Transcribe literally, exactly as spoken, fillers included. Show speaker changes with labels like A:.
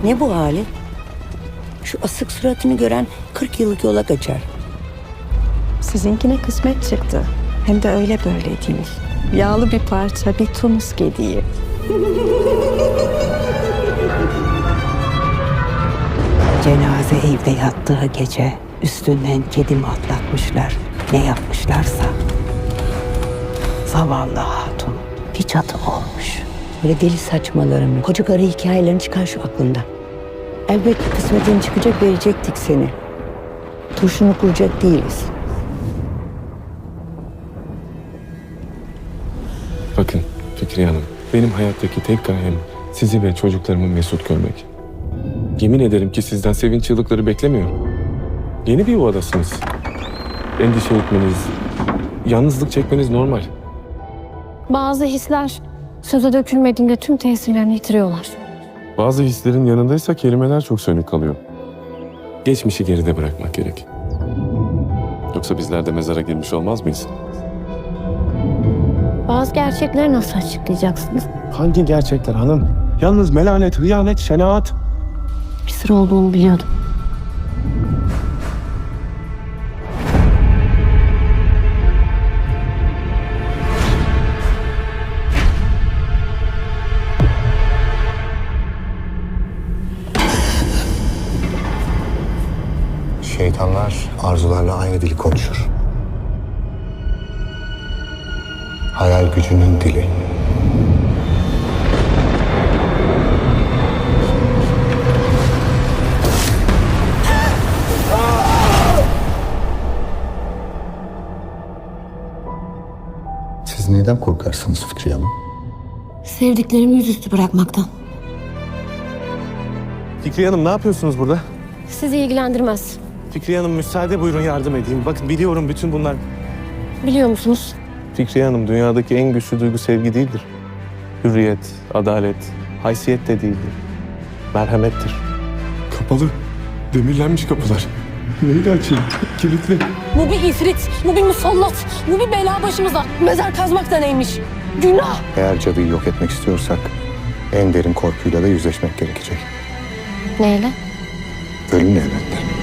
A: Ne bu hali? Şu asık suratını gören kırk yıllık yola kaçar.
B: Sizinkine kısmet çıktı. Hem de öyle böyle değil. Yağlı bir parça, bir Tunus gediği.
A: Cenaze evde yattığı gece üstünden kedimi atlatmışlar. Ne yapmışlarsa. Zavallı hatun bir cadı olmuş. Böyle deli saçmalarını, koca karı hikayelerini çıkar şu aklından. Elbet kısmetin çıkacak, verecektik seni. Turşunu kuracak değiliz.
C: Bakın Fikriye Hanım, benim hayattaki tek gayem sizi ve çocuklarımı mesut görmek. Yemin ederim ki sizden sevinç çığlıkları beklemiyorum. Yeni bir yuvadasınız. Endişe etmeniz, yalnızlık çekmeniz normal.
D: Bazı hisler söze dökülmediğinde tüm tesirlerini yitiriyorlar.
C: Bazı hislerin yanındaysa kelimeler çok sönük kalıyor. Geçmişi geride bırakmak gerek. Yoksa bizler de mezara girmiş olmaz mıyız?
D: Bazı gerçekleri nasıl açıklayacaksınız?
C: Hangi gerçekler hanım? Yalnız melanet, hıyanet, şenaat.
D: Bir sır olduğunu biliyordum.
E: Şeytanlar arzularla aynı dili konuşur. Hayal gücünün dili. Siz neden korkarsınız Fikriye Hanım?
D: Sevdiklerimi yüzüstü bırakmaktan.
F: Fikriye Hanım ne yapıyorsunuz burada?
D: Sizi ilgilendirmez.
F: Fikriye Hanım müsaade buyurun yardım edeyim. Bakın biliyorum bütün bunlar.
D: Biliyor musunuz?
F: Fikriye Hanım dünyadaki en güçlü duygu sevgi değildir. Hürriyet, adalet, haysiyet de değildir. Merhamettir.
C: Kapalı, demirlenmiş kapılar. Neyle açayım? Kilitli.
D: Bu bir ifrit, bu bir musallat, bu bir bela başımıza. Mezar kazmak da neymiş? Günah!
E: Eğer cadıyı yok etmek istiyorsak en derin korkuyla da yüzleşmek gerekecek.
D: Neyle?
E: Ölümle elbette.